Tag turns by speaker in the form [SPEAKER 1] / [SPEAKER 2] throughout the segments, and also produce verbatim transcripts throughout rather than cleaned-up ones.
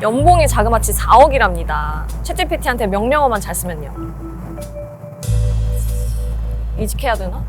[SPEAKER 1] 연봉이 자그마치 사억이랍니다. 챗지피티한테 명령어만 잘 쓰면요. 이직해야 되나?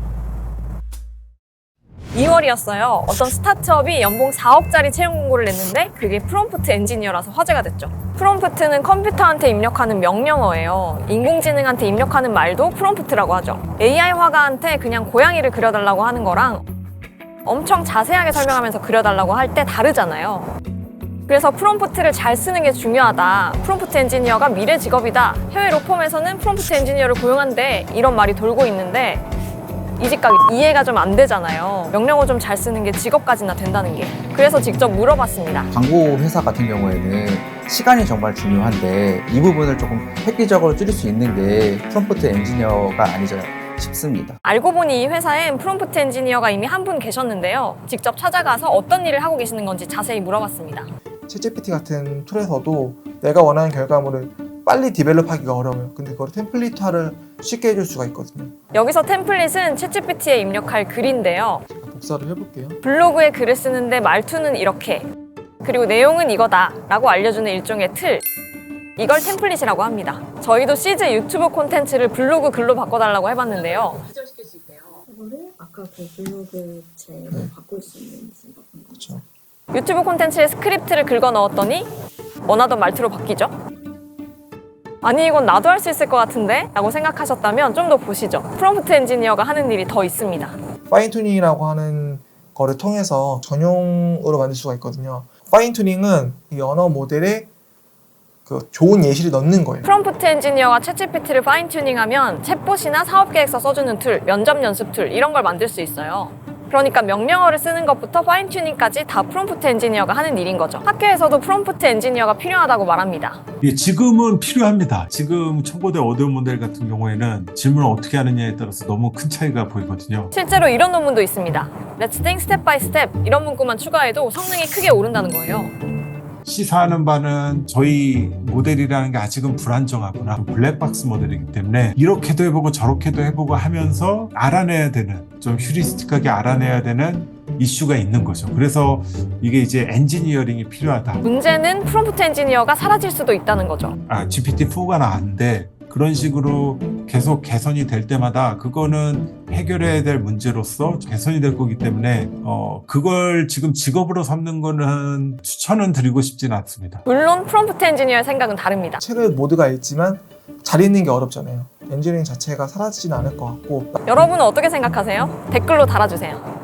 [SPEAKER 1] 이월이었어요. 어떤 스타트업이 연봉 사억짜리 채용 공고를 냈는데 그게 프롬프트 엔지니어라서 화제가 됐죠. 프롬프트는 컴퓨터한테 입력하는 명령어예요. 인공지능한테 입력하는 말도 프롬프트라고 하죠. 에이아이 화가한테 그냥 고양이를 그려달라고 하는 거랑 엄청 자세하게 설명하면서 그려달라고 할 때 다르잖아요. 그래서 프롬프트를 잘 쓰는 게 중요하다. 프롬프트 엔지니어가 미래 직업이다. 해외 로펌에서는 프롬프트 엔지니어를 고용한대. 이런 말이 돌고 있는데 이 직각이 이해가 좀 안 되잖아요. 명령어 좀 잘 쓰는 게 직업까지나 된다는 게. 그래서 직접 물어봤습니다.
[SPEAKER 2] 광고 회사 같은 경우에는 시간이 정말 중요한데 이 부분을 조금 획기적으로 줄일 수 있는 게 프롬프트 엔지니어가 아니지 싶습니다.
[SPEAKER 1] 알고 보니 이 회사엔 프롬프트 엔지니어가 이미 한 분 계셨는데요. 직접 찾아가서 어떤 일을 하고 계시는 건지 자세히 물어봤습니다.
[SPEAKER 3] 챗지피티 같은 툴에서도 내가 원하는 결과물을 빨리 디벨롭하기가 어려워요. 근데 그걸 템플릿화를 쉽게 해줄 수가 있거든요.
[SPEAKER 1] 여기서 템플릿은 챗지피티에 입력할 글인데요.
[SPEAKER 3] 제가 복사를 해볼게요.
[SPEAKER 1] 블로그에 글을 쓰는데 말투는 이렇게, 그리고 내용은 이거다 라고 알려주는 일종의 틀, 이걸 템플릿이라고 합니다. 저희도 시즈 유튜브 콘텐츠를 블로그 글로 바꿔달라고 해봤는데요.
[SPEAKER 4] 기절시킬 수 있대요. 이거를 아까 그 블로그 제로
[SPEAKER 3] 네.
[SPEAKER 4] 바꿀 수 있는지
[SPEAKER 3] 그렇죠.
[SPEAKER 1] 유튜브 콘텐츠에 스크립트를 긁어 넣었더니 원하던 말투로 바뀌죠. 아니 이건 나도 할 수 있을 것 같은데? 라고 생각하셨다면 좀 더 보시죠. 프롬프트 엔지니어가 하는 일이 더 있습니다.
[SPEAKER 3] 파인튜닝이라고 하는 거를 통해서 전용으로 만들 수가 있거든요. 파인튜닝은 이 언어 모델에 그 좋은 예시를 넣는 거예요.
[SPEAKER 1] 프롬프트 엔지니어가 챗지피티를 파인튜닝하면 챗봇이나 사업계획서 써주는 툴, 면접 연습 툴 이런 걸 만들 수 있어요. 그러니까 명령어를 쓰는 것부터 파인튜닝까지 다 프롬프트 엔지니어가 하는 일인 거죠. 학교에서도 프롬프트 엔지니어가 필요하다고 말합니다.
[SPEAKER 5] 예, 지금은 필요합니다. 지금 첨고대 오디오 모델 같은 경우에는 질문을 어떻게 하느냐에 따라서 너무 큰 차이가 보이거든요.
[SPEAKER 1] 실제로 이런 논문도 있습니다. Let's think step by step 이런 문구만 추가해도 성능이 크게 오른다는 거예요.
[SPEAKER 5] 시사하는 바는 저희 모델이라는 게 아직은 불안정하구나. 블랙박스 모델이기 때문에 이렇게도 해보고 저렇게도 해보고 하면서 알아내야 되는, 좀 휴리스틱하게 알아내야 되는 이슈가 있는 거죠. 그래서 이게 이제 엔지니어링이 필요하다.
[SPEAKER 1] 문제는 프롬프트 엔지니어가 사라질 수도 있다는 거죠.
[SPEAKER 5] 아, 지피티 포가 나왔는데 그런 식으로 계속 개선이 될 때마다 그거는 해결해야 될 문제로서 개선이 될 거기 때문에 어 그걸 지금 직업으로 삼는 거는 추천은 드리고 싶진 않습니다.
[SPEAKER 1] 물론 프롬프트 엔지니어의 생각은 다릅니다.
[SPEAKER 3] 책을 모두가 읽지만 잘 읽는 게 어렵잖아요. 엔지니어링 자체가 사라지진 않을 것 같고
[SPEAKER 1] 여러분은 어떻게 생각하세요? 댓글로 달아주세요.